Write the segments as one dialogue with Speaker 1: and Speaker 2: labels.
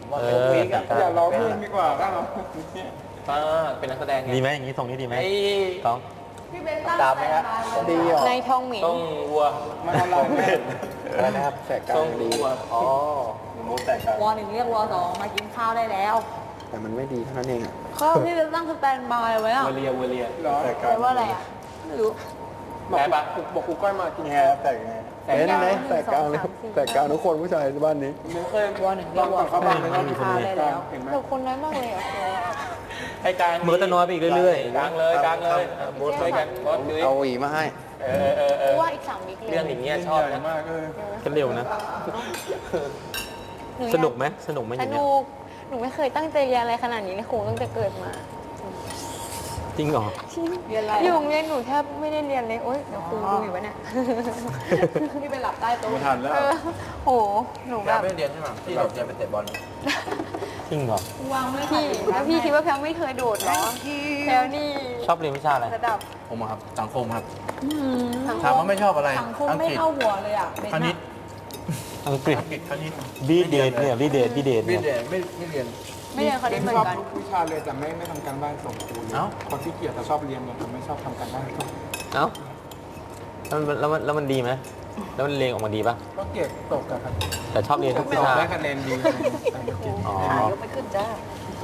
Speaker 1: อย่าร้องเพลงดีกว่าถ้าเรา
Speaker 2: เป็นนักแสดง
Speaker 3: ดีไหมอย่างนี้ทรงนี้ดีไหมต้อง
Speaker 4: พี่เบนตั้ง
Speaker 1: ตามไหมครับดีเหรอ
Speaker 4: ในทองหมิง
Speaker 2: ต้องวัว
Speaker 1: มันอะไรแม่อะไรนะครับแสกกลางดีอ๋อมูแสกกลาง
Speaker 4: ว1เรียกว2มากินข้าวได้แล้ว
Speaker 1: แต่มันไม่ดีเท่านั้นเองอ่ะ
Speaker 4: ก็พี่เบนตั้งสแตนบายไว้อะ
Speaker 2: วัวเลียวัวเลีย
Speaker 1: แสกกลาง
Speaker 4: แปลว่าอะไรอะไม่รู้
Speaker 2: แพ้ปะ
Speaker 1: บอกครูก้อยมากินไงแสกไงเป็นไหมแสกกลางเลยแสกกลางทุกคนผู้ชายบ้านนี้
Speaker 2: มึงเคยว
Speaker 4: 1เรียกว2มากินข้าวได้แล้วแต่คนน้อยมากเลยอะ
Speaker 2: ให้กลาง
Speaker 3: มือจะน้อยไปอีกเรื่อย
Speaker 2: กลางเลยกลางเลยบูธด้วยกันบอสดุย
Speaker 1: เอาหวีมาให้
Speaker 4: เพราะว่าอีก3วิค
Speaker 2: เรื่องอย่างเงี้ยชอบนะ
Speaker 1: มากเลย
Speaker 3: ๆกันเร็วนะ สนุกไหมสนุกไหมอ
Speaker 4: ส
Speaker 3: ย่างเงี้ย
Speaker 4: นุกหนูไม่เคยตั้งใจเรียนอะไรขนาดนี้ในครูตั้งแต่เกิดมา
Speaker 3: จริงเหรอ
Speaker 4: เรียนอะไรอยู่โรงเรียนหนูแทบไม่ได้เรียนเลยโอ๊ยเดี๋ยวครูดูอยู่วะเนี่ยพี่ไปหลับใต้โต๊ะ
Speaker 1: ไม่ทันแล้ว
Speaker 4: โหหนูแบบ
Speaker 2: ไม่เรียนใช่ไหมที่เราจะไปเตะบอล
Speaker 3: จริงเหรอ
Speaker 4: พี่แล้วพี่คิดว่าแพลวไม่เคยโดดเหรอแพลวนี่
Speaker 3: ชอบเรียนวิชาอะไร
Speaker 4: ระดับ
Speaker 2: ผมครับสังคมครับ
Speaker 4: สังค
Speaker 2: ถามว่าไม่ชอบอะไร
Speaker 4: สังคมไม่เข้าหัวเลยอ่ะ
Speaker 2: คณิต
Speaker 3: อังกฤษ
Speaker 2: คณิต
Speaker 3: บีเดทเนี่ยบีเดท
Speaker 2: ไม่
Speaker 3: เนี่ย
Speaker 2: เรียนไม่เรียน
Speaker 4: ไม่เรียนคณิตเหมือ
Speaker 1: ชอบ
Speaker 4: นกัน
Speaker 1: ทุกวิชาเลยแต่ไม่ทำการบ้านส่งครูเลย
Speaker 2: เอ้า
Speaker 1: คนที่เกลียดแต่ชอบเรียนเนี่ยแต่ไม่ชอบทำการบ้านส่ง
Speaker 3: เอ้าแล้วมันดีไหมแล้วมันเรียนออกมาดีป่ะ
Speaker 1: ก็เกลียดตกอะครับ
Speaker 3: แต่ชอบเรียนทุกวิ
Speaker 1: สอบ
Speaker 3: ชา
Speaker 1: ได้คะแนนดีแต่ไม่เกลียด
Speaker 3: อ๋อ
Speaker 4: ยกไม่ขึ้นจ้า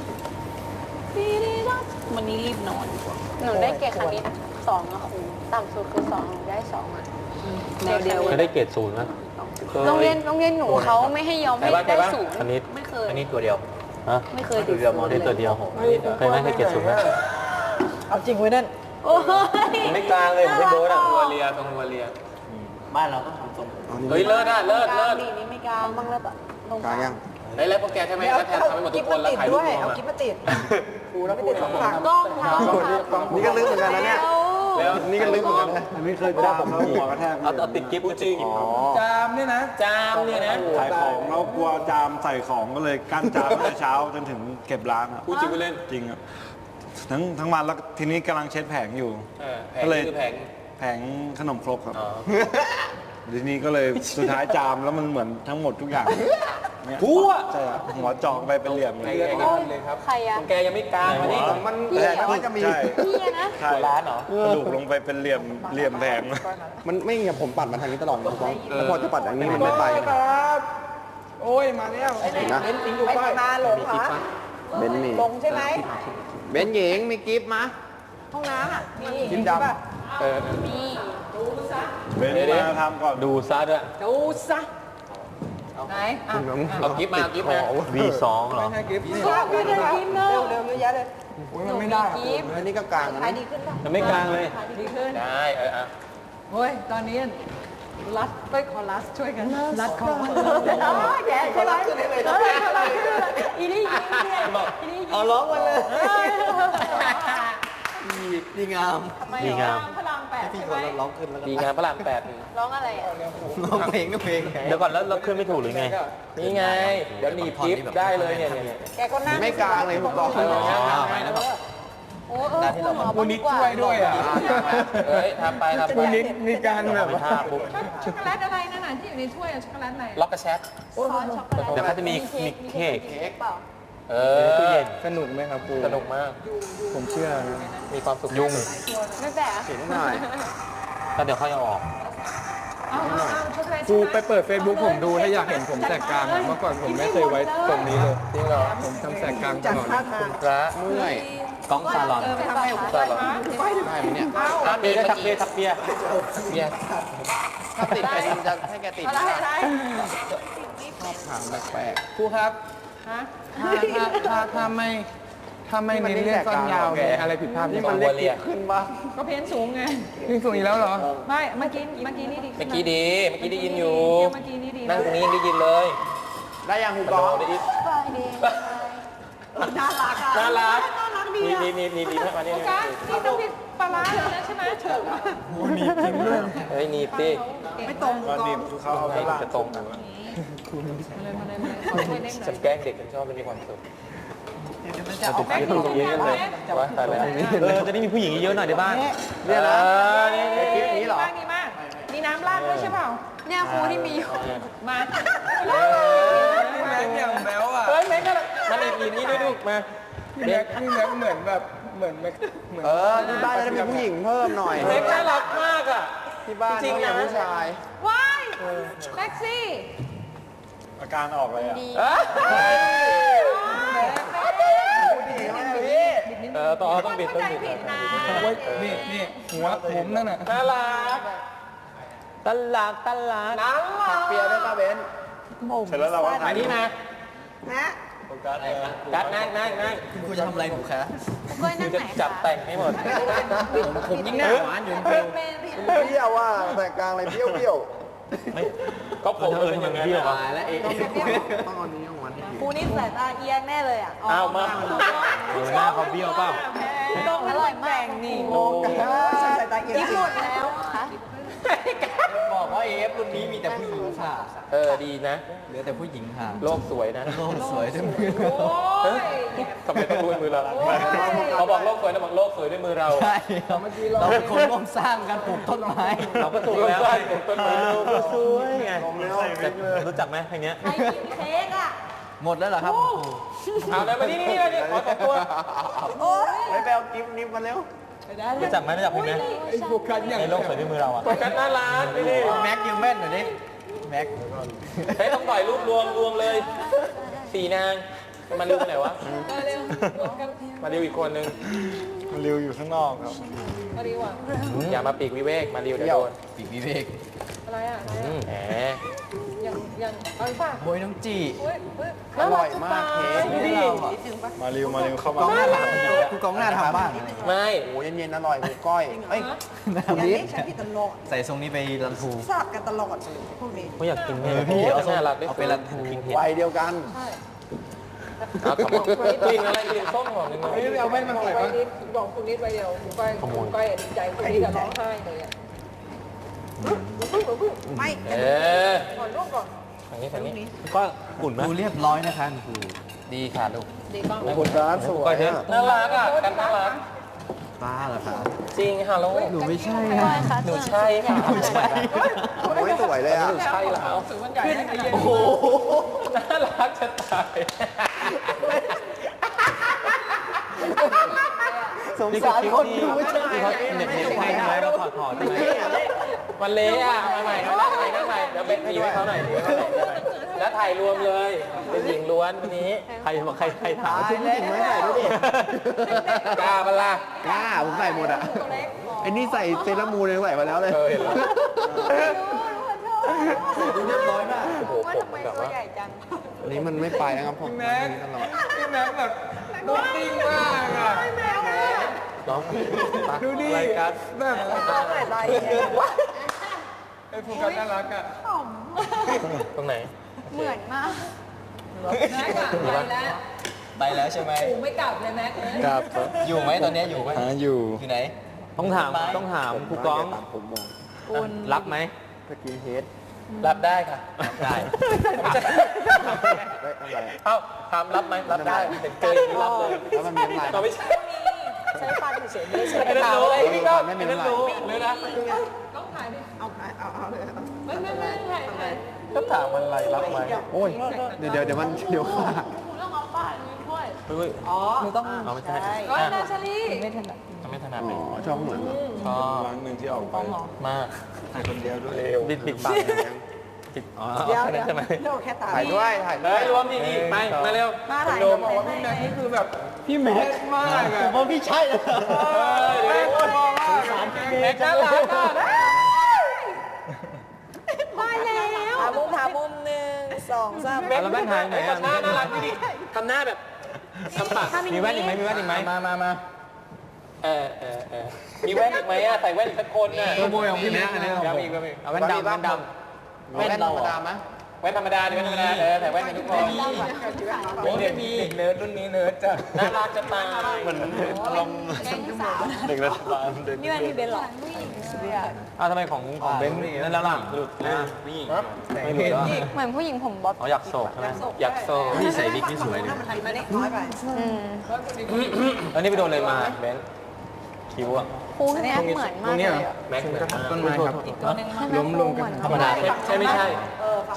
Speaker 4: วันนี้รีบนอนดีกว่าหนูได้เกรดคณิต2อะครูต่ำสุดคือ2หนูได้2อะเดียว
Speaker 3: เคยได้เกรดศูนย์ไหม
Speaker 4: โรงเรียนหนูเขาไม่ให้ยอมให้ได้ศูนย์
Speaker 3: คณิต
Speaker 4: ไม่เคย
Speaker 2: คณิตตัวเดียว
Speaker 3: ฮะ
Speaker 4: ไม่เคยติดศูนย์
Speaker 3: ได้ตัวเดียวเคยไหมเคยเกรดศูนย์ไหม
Speaker 1: เอาจริงไว้นั่น
Speaker 4: โอ้ย
Speaker 3: ไม่กลางเลยผมไม่โบ๊ทอ่ะ
Speaker 2: วัวเลียตรงวัวเลียบ้านเราต้องทำทรง
Speaker 3: เฮ้ยเลิศอ่ะเลิศ
Speaker 4: กลางดีนี่ไม่กลางบ้างแล้วปะตรง
Speaker 1: กลางยัง
Speaker 2: ได้แล้วพวกแกใช่ไหมแล้วแทนทำให้หมดทุกคนแล้วถ่ายรูปรวม
Speaker 5: เอากิ๊บมาติด
Speaker 1: ครูแล้วครูสองคน
Speaker 4: กล้องทาง
Speaker 1: นี่ก็ลึกเหมือนกันนะเนี่ย
Speaker 2: แล้ว
Speaker 1: นี่ก็ลึกเหมือนกันนะไม่เคยจามแล้วหัวกระแทก
Speaker 3: เอาติดกิ๊บจริง
Speaker 1: จามเนี่ยนะ
Speaker 2: จามเนี่ยนะ
Speaker 6: ขายของแล้วกลัวจามใส่ของก็เลยกั้นจามตั้งแต่เช้าจนถึงเก็บร้านอ่ะ
Speaker 2: พูดจริงไปเล่น
Speaker 6: จริงอ่ะทั้งวันแล้วทีนี้กำลังเช็ดแผงอยู่
Speaker 2: แผง
Speaker 6: ก็เลย
Speaker 2: คือแผง
Speaker 6: แผงขนมครกครับ
Speaker 2: อ๋อ
Speaker 6: ทีนี้ก็เลยสุดท้ายจามแล้วมันเหมือนทั้งหมดทุกอย่างเนี่ย
Speaker 2: ทั่ว
Speaker 6: ใช่ครับหัวเจอกไปเป็นเหลี่ยมเลย
Speaker 4: ใครอะ
Speaker 2: แกยังไม่กลางมานี่
Speaker 1: มัน
Speaker 6: ใช่
Speaker 1: แต่มันจะมี
Speaker 6: ใช่
Speaker 4: พี่อะนะ
Speaker 6: ใช่
Speaker 2: ร้านเหรอ
Speaker 6: กระดูกลงไปเป็นเหลี่ยมแผง
Speaker 1: มันไม่เงี้ยผมปัดมาทางนี้ตลอดเลยครับแล้วพอจะปัดอย่างนี้มันไม่ไปครับโอ้ยมาแล้วนะ
Speaker 5: ไปมาหลงคะ
Speaker 1: เบนนี่
Speaker 5: หลงใช่ไหม
Speaker 1: เบนหญิงมีกิฟต์มา
Speaker 5: ห้องน้ำอ่ะมี
Speaker 1: กิฟต์ด
Speaker 5: ป่ะ
Speaker 4: นี่
Speaker 6: เบนมาทำก่อน
Speaker 3: ดูซะด้วย
Speaker 5: ดูซะไหนอ่ะ
Speaker 1: ำ
Speaker 2: เอากิ๊บมาเอากิ๊บมา
Speaker 3: V2 เหรอ
Speaker 1: ไม่ใช่กิฟต์นี่
Speaker 5: ไม่ได้กินเนอะเร็วๆเยอะแยะเลย
Speaker 1: โอ้ยมันไม่ได้อันนี้ก็กลางนะ
Speaker 5: ขายดีขึ้นป่ะ
Speaker 3: จะไม่กลางเลย
Speaker 5: ดีขึ้น
Speaker 2: ได้อ่ะ
Speaker 5: เฮ้ยตอนนี้รัดไปขอรัดช่วยกันรัดคอแย่เขารัดขึ้นเลยนะ
Speaker 4: อีนี่ยิงเนี่ยอีนี่ยิง
Speaker 3: เอาร้องมาเลย
Speaker 1: ดีงาม
Speaker 3: ดีงาม
Speaker 4: พลัง8ใช่ไหม
Speaker 1: ร้องขึ้นแล้ว
Speaker 2: ดีงานพระราม8
Speaker 4: ร้องอะไรอะ
Speaker 1: ร้องเพลงก็เพลง
Speaker 3: เดี๋ยวก่อนแล้วเราขึ้นไม่ถูกหรือไง
Speaker 2: นี่ไง เดี๋ยวหนีบกิ๊บได้เลยเนี่ย
Speaker 5: แกก็นั่ง
Speaker 1: ไม่กลางเลยผมบอก
Speaker 4: โอ้คุณหมอบอกดีกว่า
Speaker 2: เฮ้ยทำไปทำไป
Speaker 1: มีการแบบ
Speaker 3: ไม่ท่าปุ๊บ
Speaker 5: ช็อกโกแลตอะไรนั่นน่ะที่อยู่ในถ้วยช็อกโกแลตอะไร
Speaker 2: ล็อกกระแชท
Speaker 4: ซอสช็อกโกแลต
Speaker 3: เดี๋ยวเขาจะมีเค้ก
Speaker 4: เปล่า
Speaker 2: เอ
Speaker 3: ตู้
Speaker 2: อ
Speaker 3: เย็น
Speaker 1: สนุกไหมครับครู
Speaker 2: สนุกมาก
Speaker 1: ผมเชื่อนะ
Speaker 2: มีความสุข
Speaker 3: ยุ่ง
Speaker 4: ไม่แปลก
Speaker 1: เห็นหน่อย
Speaker 3: แล้วเดี๋ยวค่อยเอาออก
Speaker 5: เอาช็อกโกแลต
Speaker 1: ครูไปเปิด Facebook ผมดูถ้าอยากเห็นผมแสกกลางอะเมื่อก่อนผมไม่เคยไว้ตรงนี้เลย
Speaker 2: จริงเหรอ
Speaker 1: ผมทำแสกกลางตลอด
Speaker 2: คุณพระ
Speaker 1: เมื่อย
Speaker 3: กล้องซาลอน
Speaker 5: ทำไม
Speaker 2: ใช่เหรอ
Speaker 1: ได้ไหมเนี่ย
Speaker 3: ทักเบียร์ทักเบียร์ทักเบียร์
Speaker 2: เบียร์
Speaker 1: ถ้าติดใครจะให้แกติด
Speaker 5: อะไรอะไร
Speaker 1: ชอบถามแปลกๆครูครับ
Speaker 5: ฮะ
Speaker 1: ถ้าไม่เน้นเรื่องต้นยาวเนี่ยอะไรผิดพลาดที่มันเรียกขึ้นบ้าง
Speaker 5: ก็เพ้นสูงไง
Speaker 1: ขึ้นสูงอีกแล้วเหรอ
Speaker 5: ไม่เมื่อกี้นี่ดี
Speaker 2: เมื่อกี้ดี เมื่อกี้ได้ยินอยู่
Speaker 5: เมื่อกี้นี่ดี
Speaker 2: นั่งตรงนี้ยังได้ยินเลย
Speaker 1: ได้ยังครู
Speaker 2: ก
Speaker 1: กอล์ฟ
Speaker 2: ได้ยิน
Speaker 4: ไปดี
Speaker 5: น่ารักอ่ะ
Speaker 2: น่ารัก
Speaker 5: น่ารักดี
Speaker 2: นี่มานี่
Speaker 5: โอกาสนี่ต้องพิปลาร้าเลยนะใช่ไหมเฉิง
Speaker 2: เฮ้ยหนีบสิ
Speaker 5: ไม่ตรง
Speaker 6: ตอนนี้เขาเอาตลาด
Speaker 2: จะตรงกัน
Speaker 5: มาเลยขอช่วยเล่นหน่
Speaker 2: ฉั
Speaker 5: อน ย
Speaker 2: แกล้งเด็กฉันชอบเป็นมีความสุข
Speaker 5: จะเอาแม่ดูเยอะเลย
Speaker 2: ว่าตายแล้ว
Speaker 3: จะได้มีผู้หญิงเยอะๆหน่อยในบ้าน
Speaker 1: เนี่ยนะ
Speaker 2: นี่
Speaker 1: คลิปนี้เหรอ
Speaker 5: ดีมากมีน้ำราดด้วยใช่เปล่า
Speaker 4: เนี่ยครูที่มีอยู่
Speaker 5: มา
Speaker 1: แหมม็กอย่างแบ๊วอ่ะ
Speaker 2: เฮ้ยแม็กก็มันอีกนี่ด้วยลูกมา
Speaker 1: พี่แม็กเหมือนแบบเหมือนแม็กเหมือน
Speaker 3: ที่บ้านจะมีผู้หญิงเพิ่มหน่อย
Speaker 2: แม็กน่ารักมากอ่ะ
Speaker 3: ที่บ้าน
Speaker 2: จริงๆนะ
Speaker 3: ผู้ชาย
Speaker 5: ว้ายแม็กซี่
Speaker 6: อาการออกเลยอ่ะ
Speaker 2: ต้องบิดต้องบิด
Speaker 5: ผิดนะ
Speaker 1: โอ้ยนี่หัวผมนั่นน่ะ
Speaker 2: น่ารัก
Speaker 3: ตลาดผักเปียได้ป่ะเบน
Speaker 6: เสร็จแล้วเราว่า
Speaker 2: มานี่มา
Speaker 5: นะ
Speaker 6: โฟกัส
Speaker 2: กัดนั่ง
Speaker 3: คุณจะทำอะไรผมคะ
Speaker 4: กล้วยนั่ง
Speaker 2: จะ
Speaker 4: ไหน
Speaker 2: จับ
Speaker 4: คะ
Speaker 2: แต่งให้หมด
Speaker 3: ผมยิ่งหน้าหวานอยู่เปรี้ยวเปรี้ยวว่าแต่กลางอะไรเปรี้ยว
Speaker 2: ก็ผมเป็นอย่างนั้น
Speaker 3: ตายแล้วเองต้องเอานี้ของมัน
Speaker 5: ครูนี่สายตาเอียงแน่เลยอ่ะ
Speaker 2: เอามา
Speaker 3: หน้าเขาเบี้ยวเปล่า
Speaker 5: ต้องอร่อยมากนี่
Speaker 2: โอ้
Speaker 5: สายตาเอียงหมดแล้วค่ะ
Speaker 3: บอกว่าเอฟรุ่นนี้มีแต่ผู้หญิงค่ะ
Speaker 2: ดีนะ
Speaker 3: เหลือแต่ผู้หญิงค่ะ
Speaker 2: โลกสวยนะ
Speaker 3: โลกสวยด้วยมือ
Speaker 5: โอ้ย
Speaker 2: ทำไมต้องด้วยมือเราเขาบอกโลกสวยนะบอกโลกสวยด้วยมือเรา
Speaker 3: ใช่เราเป็นคนร่วมสร้างกันปลูกต้นไม้
Speaker 2: เราก็ถูกแล้วต้นไม้
Speaker 3: สวยไงรู้จักไหมเพลงนี้
Speaker 5: ใครกินเค้กอ่ะ
Speaker 3: หมดแล้วเหรอครับ
Speaker 2: เอาเลยมานี่ขอตัว
Speaker 5: โอ้ย
Speaker 3: ไปเอากิฟต์นิฟมาเร็วรู้จักไหมรู้จักเพลงนี้
Speaker 1: ไอ้โฟกัสอย่าง
Speaker 3: ในโลกสวยด้วยมือเราอ่ะ
Speaker 2: กันน่ารักนี่
Speaker 3: แม็กยิวแม่นหน่อยดิแม็ก
Speaker 2: เฮ้ยต้องปล่อยรูปรวมเลยสี่นางมาริวไหนวะมาริวอีกคนนึง
Speaker 6: มันริวอยู่ข้างนอกครับ
Speaker 5: มาดีกว่า
Speaker 2: อย่ามาปีกวิเวกมาริวเดี๋ยวโดน
Speaker 3: ปีกวิเวก
Speaker 5: อะไรอ่ะ
Speaker 2: แหม
Speaker 5: ยังเอาอีกป่ะ
Speaker 3: โบยน้องจี
Speaker 5: เฮ้ย
Speaker 3: อร่อยมากเค้ก
Speaker 2: ดูดิ
Speaker 6: มาริวเข้ามาก
Speaker 3: องหน้าทำคุณกองหน้าทำบ้าง
Speaker 2: ไม่
Speaker 3: โอ้เย็นๆอร่อยหมูก้อยเอ้ยคุณนิดใส่ทรงนี้ไปรันทู
Speaker 5: สลับกันตลอดเลยพวกนี้
Speaker 3: ไม่อยากกิน
Speaker 2: พี่
Speaker 3: เอา
Speaker 2: น่ารักด้วย
Speaker 3: ไปรันทูวัยเดียวกัน
Speaker 2: เอาขมกลิ่นอะไรกลิ่นส้มหอมนึง
Speaker 1: ไม่ได้เอาแว่นมาใส่ปะ
Speaker 5: บอกคุณนิดไปเดียวคุณก้อยดีใจคุณนิดจะร้องไห้เลยอ่ะไม่ ก่อนลูกก่อน
Speaker 2: ทางนี้
Speaker 3: ก็กุ่นไหมดูเรียบร้อยนะคะครู
Speaker 2: ดีค่ะลูก
Speaker 5: ดีบ้าง
Speaker 3: คุณร้านสวย
Speaker 2: น่ารักอ่ะกันน่ารัก
Speaker 3: ป้าเหรอคะ
Speaker 2: จริงค่ะลูก
Speaker 3: หนูไม่ใช่
Speaker 4: กล้วยคะ
Speaker 2: หนูใช่ค่ะ
Speaker 3: หนูใช่โอ้ยสวยเลยอ่ะ
Speaker 2: หนูใช่แล้ว
Speaker 5: สื่อมันใหญ่ให้เย็น
Speaker 3: โอ้โห
Speaker 2: น่ารักจะตาย
Speaker 3: สงสารคนดูไม่ใช่เขาเน็ตให้ใช่ไหมมาถอดใช่ไหม
Speaker 2: มันเละอ่ะมาใหม่นั่งใหม่เดี๋ยวเบนขยี้ให้เขาหน่อยแล้วถ่ายรวมเลยเป็นหญิงล้วนวันนี้
Speaker 3: ใครบอกใครถามชุดผู้หญิงไม่ใส่ด้วยดิ
Speaker 2: กล้าปะล่ะ
Speaker 3: กล้าผมใส่หมดอ่ะไอ้นี่ใส่เซรามูนยังใส่มาแล้วเลย
Speaker 2: เห็นแล้ว
Speaker 3: ดูเรียบร้อยมาก
Speaker 2: โอ้โห
Speaker 5: ว่า
Speaker 2: ผม
Speaker 5: ทำไม
Speaker 2: แบบ
Speaker 5: ตัว
Speaker 2: ว่า
Speaker 5: ใหญ่จัง
Speaker 3: อันนี้มันไม่ไปนะครับผม
Speaker 1: พี่แม็กแบบดูติ้งมากอ่ะ
Speaker 2: น้อง
Speaker 1: ดูดิ
Speaker 2: รายการ
Speaker 1: แบบ
Speaker 5: อะไร
Speaker 1: ไอ้โฟกัสน่ารักอ่ะ
Speaker 2: ตรงไหน
Speaker 4: เหมือนมาก
Speaker 5: แม็กอะไปแล้ว
Speaker 3: ไปแล้วใช่ไหม
Speaker 5: กูไม่กลับเลยแม็กเลย
Speaker 6: ครับ
Speaker 3: อยู่ไหมตอนนี้อยู่ไหม
Speaker 6: อยู่
Speaker 3: อยู่ไหน
Speaker 7: ต้องถามครูก้อง
Speaker 3: ผมมอง
Speaker 7: รับไหม
Speaker 3: สกินเฮด
Speaker 2: รับได้ค่ะ
Speaker 3: ได้
Speaker 2: เอ้าถามรับไหมรับได้แต่เจออย่างนี้รับเลย
Speaker 3: แล้วมันมีน้ำลาย
Speaker 2: ก็ไม่ใช่
Speaker 5: ใช้ฟันเฉยๆไม่ใช่
Speaker 2: ไอ้นั่นรู้ไอ้พี่ก็
Speaker 3: ไม่
Speaker 2: ไอ้
Speaker 3: มี
Speaker 2: นั่น
Speaker 3: น้ำลาย
Speaker 2: รู้เลยนะ
Speaker 5: ต้องถ่ายดิเอาเลยไม่ถ่าย
Speaker 2: ก็ถามมันอะไรรับไหม
Speaker 3: โอ้ยเดี๋ยวมันเดี๋ยวขาด
Speaker 5: อ๋อหนูต้อง
Speaker 2: เอาไม่ใช่
Speaker 5: ร้อยนาชาลี
Speaker 2: ไม่ถนัดเลย
Speaker 3: ชอบเหมือน
Speaker 2: ชอบ
Speaker 6: ครั้งหนึ่งที่ออกไป
Speaker 2: มาก
Speaker 6: ถ่ายคนเดียวด้วย
Speaker 7: ปิดปากปิดอ๋อ
Speaker 5: เดี๋ยว
Speaker 7: แค่นั้นใช่ไหม
Speaker 5: เดี๋ยวแค่ตา
Speaker 3: ถ่ายด้วยถ่าย
Speaker 2: เฮ้ยรวมดีๆไปมาเร็ว
Speaker 5: มาถ่าย
Speaker 2: โดม
Speaker 1: บอกว่าพี่แม็กนี่คือแบบพี่แม็กมากอ่ะ
Speaker 3: ผมว่าพี่ใช่เลย
Speaker 2: แม็กน่ารักอ่ะ
Speaker 5: มาแล้วถามมุม1 2 3
Speaker 7: แล้วแว่นหายไหนอ่ะ
Speaker 2: หน้าน่ารักดีทำหน้าแบบทำปาก
Speaker 7: มีแว่นอีกไหมมีแว่นอีกไหม
Speaker 3: มา
Speaker 2: มีแว่นอีกไหมอ่ะใส่แว่นอีกสักคนน่ะ
Speaker 3: ขโมยของพี่แม็กอันนี้
Speaker 2: ยังมีก็มี
Speaker 7: เอาแว่นดำแว่นด
Speaker 3: แว่นธรรมดาไหม
Speaker 2: แว่นธรรมดาดิแว่นธรรมดาใส่แว่นกันทุกคนโอ้ยมีเนิร์ดรุ่นนี้เนิร์ดจ้ะน่ารักจะตาย
Speaker 6: เหมือนอารมณ์เด็กรัฐบาลเด็ก
Speaker 5: นี่มันมีเบนหรอ
Speaker 7: ำอ้าวทำไมของเบนซ์นั่นแล้วล่ะหลุดเลยนี่ไม่หลุดแล้ว
Speaker 4: เหมือนผู้หญิงผมบ๊อบ
Speaker 7: อ๋ออยากโศกใช่ไหม
Speaker 2: อยากโซ่
Speaker 3: นี่ใส่วิกนี่สวยเลย
Speaker 5: มาได้น้อยไป
Speaker 4: อืม
Speaker 7: แล้วนี่ไปโดนอะไรมาเบนซ์คิ้วอ่ะ
Speaker 4: ครูแม็กเหมือนมากเลยอะ
Speaker 2: แม็กเหมือน
Speaker 3: ต้นไม้ครับ
Speaker 5: ตัวนึงมา
Speaker 4: ล้มลงกัน
Speaker 7: ธรรมดา
Speaker 2: ใช่ไม่ใช่
Speaker 5: ใ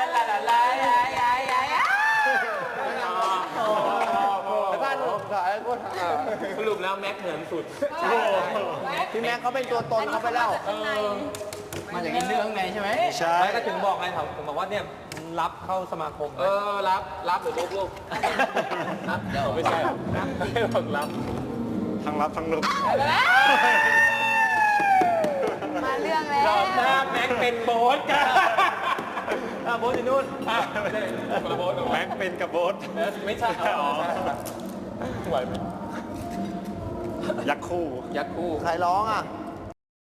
Speaker 2: ลาลาลาลาลา
Speaker 1: แล้วท่านสุดท้ายก็ทำ
Speaker 2: สรุปแล้วแม็กเหมือนสุด
Speaker 1: พี่แม็กเขาเป็นตัวตนเขาไปแล้ว
Speaker 2: มาจากอินเรื่องในใช่ไหม
Speaker 6: ใช่
Speaker 7: ไม่ก็ถึงบอกไงผมบอกว่าเนี่ยรับเข้าสมาคม
Speaker 2: รับหรือลูกรับเดี๋ยวไม่ใช่บอกรับ
Speaker 6: ทั้งรับทั้งลุก
Speaker 4: มาเรื่องแล้ว
Speaker 2: รอบหน้าแม็กเป็นโบ๊ทกัน
Speaker 7: โบ๊ทอยู่นู่น
Speaker 2: ไม่ใช่คนละโบ๊ท
Speaker 6: แม็กเป็นกับโบ๊ท
Speaker 2: ไม่ใช่ไหวไหม
Speaker 6: ยักษ์คู่
Speaker 2: ยักษ์คู่
Speaker 1: ใครร้องอ่ะ
Speaker 2: เ